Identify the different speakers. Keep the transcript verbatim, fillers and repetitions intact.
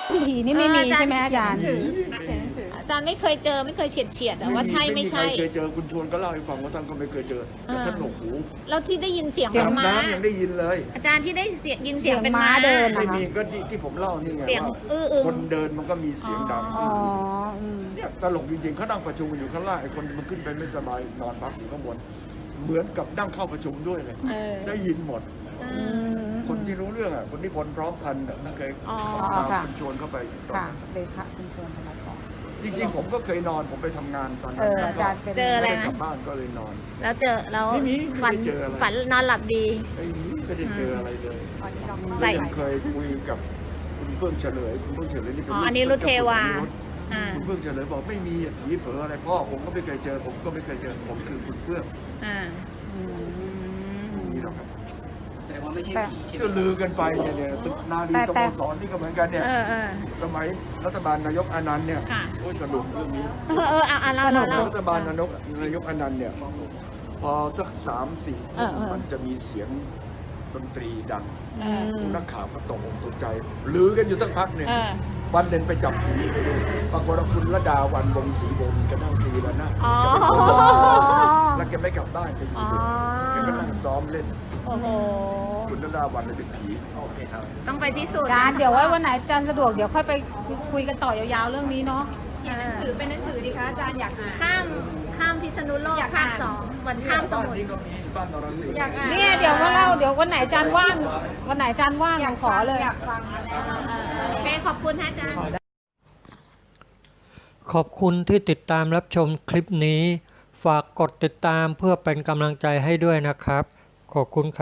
Speaker 1: ผีนี่ไม่มีใช่ไหมอาจารย์
Speaker 2: อาจารย์ไม่เคยเจอไม่เคยเฉียดเฉียดแต่ว่าใช่ไม่ใช่
Speaker 3: ไม่มีใครเคยเจอคุณชวนก็เล่าให้ฟังว่าท่านก็ไม่เคยเจอแต่ท่านหนวกหู
Speaker 2: แล้วที่ได้ยินเสียง
Speaker 1: เสียง
Speaker 2: ม้า
Speaker 3: น้ำยังได้ยินเลย
Speaker 2: อาจารย์ที่ได้เสียงยินเสี
Speaker 1: เสี
Speaker 2: ย
Speaker 1: ย
Speaker 2: ง
Speaker 1: ง
Speaker 2: เป็น
Speaker 1: ม้า
Speaker 2: ม้า
Speaker 1: เดิน
Speaker 3: ไม่
Speaker 1: นะคะ
Speaker 3: มีก็ที่ที่ผมเล่านี่ไง
Speaker 2: เสียง
Speaker 3: ว่า
Speaker 2: อื้ออึง
Speaker 3: คนเดินมันก็มีเสียงดัง
Speaker 1: อ๋ออืม
Speaker 3: เนี่ยตลกจริงๆเขานั่งประชุมอยู่ข้างล่างไอ้คนมันขึ้นไปไม่สบายนอนพักอยู่ข้างบนเหมือนกับนั่งเข้าประชุมด้วยเลย
Speaker 2: เออ
Speaker 3: ได้ยินหมด
Speaker 1: อืม
Speaker 3: คนที่รู้เรื่องอ่ะคนที่พลพร้อมพันธ์อ่ะมันเคย
Speaker 2: อ๋อ
Speaker 3: เข้า
Speaker 1: ค่ะ
Speaker 3: มาคุณชวนเข้าไปตอน
Speaker 1: ค่ะ
Speaker 3: นั้น
Speaker 1: เลยค่ะคุณชวนธนกร
Speaker 3: จริงๆผมก็เคยนอนผมไปทำงานตอน
Speaker 1: เอ
Speaker 3: นั้น
Speaker 1: อ
Speaker 3: แล้ว
Speaker 1: อา
Speaker 3: ก็
Speaker 1: จารย์เป็น
Speaker 2: เจออะไร
Speaker 3: ไม่ได้กลับบ้านก็เลยนอน
Speaker 2: แล้วเจอแล้ว
Speaker 3: ไม่มีไม่
Speaker 2: ฝัน
Speaker 3: ได้เจออะไร
Speaker 2: ฝันนอนหลับดี
Speaker 3: ไอ้นี่ไม่ได้เจออะไรเลย
Speaker 1: อันนี้เรา
Speaker 2: ใส่
Speaker 3: ยังเคยคุยกับคุณเฟื่องเฉลยคุณเฟื่องเฉลยนี่เป็น
Speaker 2: อ๋อ
Speaker 3: ลูก
Speaker 2: อันนี้รุทเทวา
Speaker 3: จ้คุณ
Speaker 2: อ่า
Speaker 3: คุณเฟื่องเฉลยบอกไม่มีผีเผลออะไรพ่อผมก็ไม่เคยเจอผมก็ไม่เคยเจอผมคือคุณเฟื่อง
Speaker 2: อ่า
Speaker 1: อืม
Speaker 3: นี่หรอกครับ
Speaker 4: แสดงว่าไม่ใช่
Speaker 1: แต่
Speaker 4: ผีใช่ไหม
Speaker 3: ก็ลือกันไปเนี่ยเนี่ยตึกนาดี
Speaker 1: แต่
Speaker 3: ส
Speaker 1: แต่
Speaker 3: โมสรนี่ก็เหมือนกันเนี่ย
Speaker 2: เออเออ
Speaker 3: สมัยรัฐบาลนายกอานันต์เนี่ย
Speaker 2: ค่ะ
Speaker 3: โอ้ยสนุกเรื่องนี้
Speaker 2: เออเออเอาเอาเราเราเรา
Speaker 3: รัฐบาลนายกนายกอานันต์เนี่ยพอสักสามสี่
Speaker 2: เอ
Speaker 3: ทุ่
Speaker 2: อ
Speaker 3: ม
Speaker 2: เออ
Speaker 3: มันจะมีเสียงดนตรีดัง
Speaker 2: เออ
Speaker 3: นักข่าวก็ตกอกตกใจลือกันอยู่ตั้งพักหนึ่ง
Speaker 2: เออ
Speaker 3: วันหนึ่งไปจับผีไปดูปรากฏว่าคุณระดาวันวงศรีวงศ์ก็นั่งตีแล้วนะ
Speaker 2: อ๋อ
Speaker 3: แล้วแกไม่กลับบ้านแกอยู่
Speaker 2: อ๋อ
Speaker 3: แกก็นั่งซ้อมเล่น
Speaker 2: โอ้โห
Speaker 3: คุณระดาวันเลยเป็นผี
Speaker 4: โอเคครับ
Speaker 2: ต้องไปพิสูจน์
Speaker 1: อาจารย์เดี๋ยวไว้วันไหนอาจารย์สะดวกเดี๋ยวค่อยไปคุยกันต่อยาวๆเรื่องนี้เนาะ
Speaker 2: เขียนหนังสือเป็นหนังสือดีคะอาจารย์อยากอ่าน
Speaker 5: ข้ามข้ามพิษณุโลกภาคสองวันข้ามส
Speaker 3: บ้าน
Speaker 5: มุทร
Speaker 3: นี้ก็มีบ้านนรสิงห์
Speaker 2: อยากอ่าน
Speaker 1: เนี่ยเดี๋ยวมาเล่าเดี๋ยววันไหนอาจารย์ว่างวันไหนอาจารย์ว่างหนูขอเลย
Speaker 2: อยากฟังแล้ว
Speaker 5: โอเคขอบคุณนะอาจารย์
Speaker 6: ขอบคุณที่ติดตามรับชมคลิปนี้ ฝากกดติดตามเพื่อเป็นกำลังใจให้ด้วยนะครับ ขอบคุณครับ